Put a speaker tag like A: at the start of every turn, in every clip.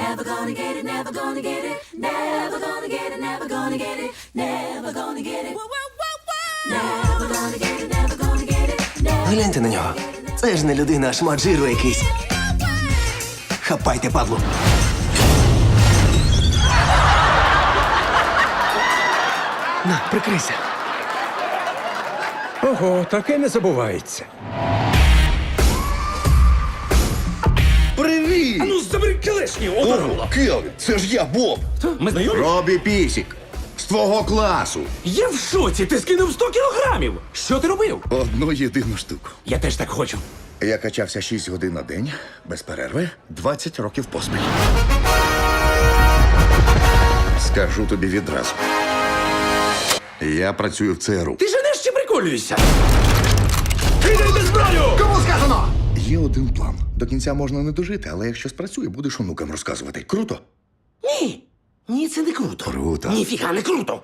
A: never gonna get it, never gonna get it, never gonna get it, never gonna get it, never gonna get it. Never gonna get it, never gonna get it, never.
B: Гляньте на нього. Це ж не людина, а шмат жиру якийсь. Хапайте, Павло. На, прикрийся.
C: Ого, таке не забувається.
D: Привіт!
C: Ну, забери келешні,
D: Ого, Келвін, це ж я, Боб.
C: Ми знайомі?
D: Робі Пісік. З твого класу.
C: Я в шоці, ти скинув 100 кілограмів. Що ти робив?
D: Одну єдину штуку.
C: Я теж так хочу.
D: Я качався 6 годин на день, без перерви, 20 років поспіль. Скажу тобі відразу. Я працюю в ЦРУ.
C: Ти женеш чи приколюєшся? Кидай зброю!
D: Кому сказано? Є один план. До кінця можна не дожити, але якщо спрацює, будеш онукам розказувати. Круто?
C: Ні. Ні, це не круто.
D: Круто.
C: Ніфіга не круто.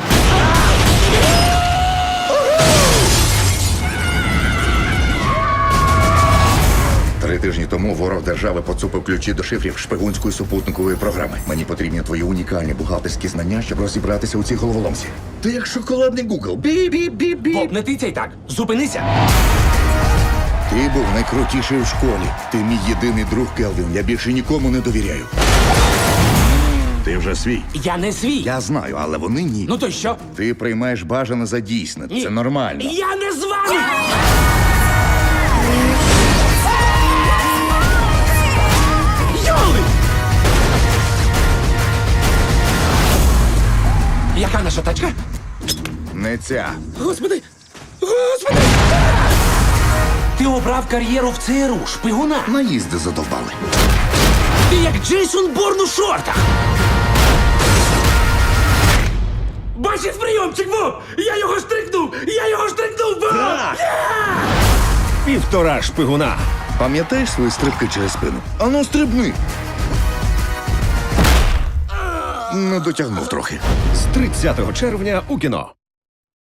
D: Три тижні тому ворог держави поцупив ключі до шифрів шпигунської супутникової програми. Мені потрібні твої унікальні бухгалтерські знання, щоб розібратися у цій головоломці. Ти як шоколадний Гугл. Бі-бі-бі-бі.
C: Боб, не тицяй так. Зупинися.
D: Ти був найкрутіший у школі. Ти мій єдиний друг, Келвін. Я більше нікому не довіряю. Ти вже свій.
C: Я не свій.
D: Я знаю, але вони ні.
C: Ну то й що?
D: Ти приймаєш бажане за дійсне.
C: Ні.
D: Це нормально.
C: Я не з вами! Йоли! Яка наша тачка?
D: Не ця.
C: Господи! Господи! Ти обрав кар'єру в ЦРУ, шпигуна.
D: Наїзди задовбали.
C: Ти як Джейсон Борн у шортах. Бачив прийомчик, Боб! Я його штрикнув! Я його штрикнув, Боб!
E: Півтора шпигуна.
D: Пам'ятаєш свої стрибки через спину? Ану, стрибни. Не дотягнув трохи.
E: З 30 червня у кіно.